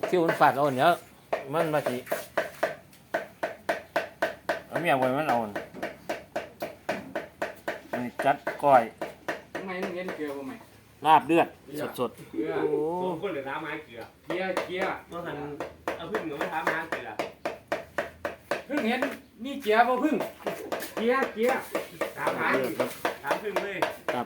คิวมันฟาดเอาเนี้ยมันมาสิเอาเมียไว้มันเอาอันนี้จัดก้อยทำไมมึงเห็นเกลือบ่ไหมลาบเลือดสดเกลือๆโอ้สองคนเหลือน้ำไม้เกลือเกียร์เมื่อทันเอาพึ่งหรือไม่ทำน้ำเกลือเพิ่งเห็นนี่เกียร์บ่เพิ่งเกียร์ถามหาเลือดครับถามพึ่งเลยครับ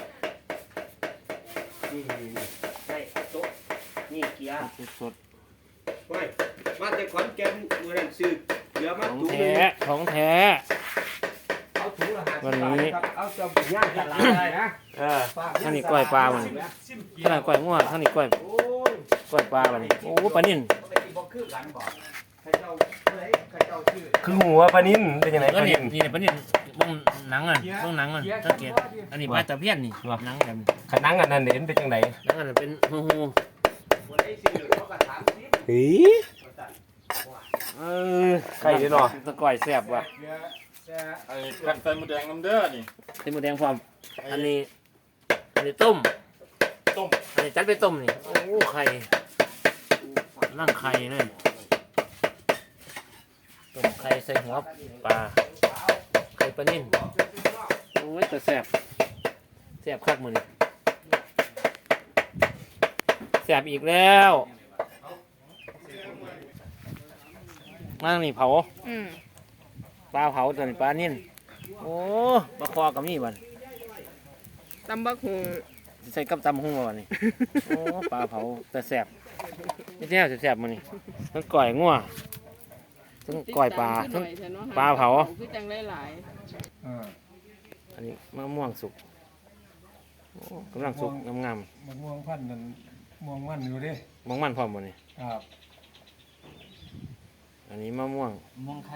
นี่ใช่โต๊ะนี่เกลือสดเฮ้ยมาแต่ขอนแก่นมือนั่นซื้อเกลือๆมาของตุ้แท้ของแท้เอาถุงละ50 วันนี้บาทครับเอาจะย่างตลาดได้นะข้างนี้กล้วยปลามันข้างนี้กล้วยงัวข้างนี้กล้วยโอ้ยกล้วยปลามันโอ้ปลานิ่นปกติบ่คือกันบ่ใครเจ้าชื่อคือหัวปลานิ่นเป็นยังไงก็ปลานี่นิ่นนี่ปลานิ่นเบ้งหนังอ่ะเบ้งหนังอ่ะสังเกตอันนี้ปลาตะเพียนนี่หนังแบบนี้ขนังอันนั้นเห็นเป็นยังไงหนังอันนั้นเป็นหูเฮ้ยเออใครเนาะตะก้อยแซ่บว่ะไอ้กันไฟหมูแดงน้ำเด้อนี่เต็มหมูแดงพร้อมอันนี้ต้มต้มอันนี้จัดไปต้มนี่โอ้ไข่นั่งไข่เลยต้มไข่ใส่หัวปลาไข่ปลานิ่นโอ้ยแต่แซ่บแซ่บคักมือนี่แซ่บอีกแล้วนั่งนี่เผาปลาเผาตัวนี้ปลานิ่นโอ้ปลาคอกับนี่บันตำบักหุงใส่กับตำหุ้งมาบันนี่ โอ้ปลาเผาแต่แซ่บนี่แน่แซ่บๆมันนี่ทั้งก่อยงัวทั้งก่อยปลาทั้ง ปลาเผาคือจังหลายอันนี้มะม่วงสุกโอ้กำลังสุกงามมะม่วงพันธุ์นั่นม่วงมันอยู่เดิๆมองมันพร้อมบ่นี่ครับอันนี้มะม่วงมองไข่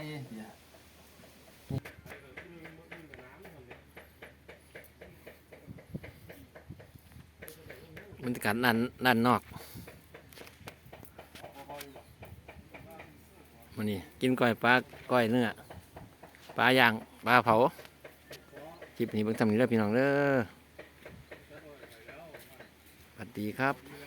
บรรยากาศด้านนอกมันนี่กินก้อยปลาก้อยเนื้อปลาย่างปลาเผาคลิปนี้เบิ่งทำนี้เด้อพี่น้องเด้อสวัสดีครับ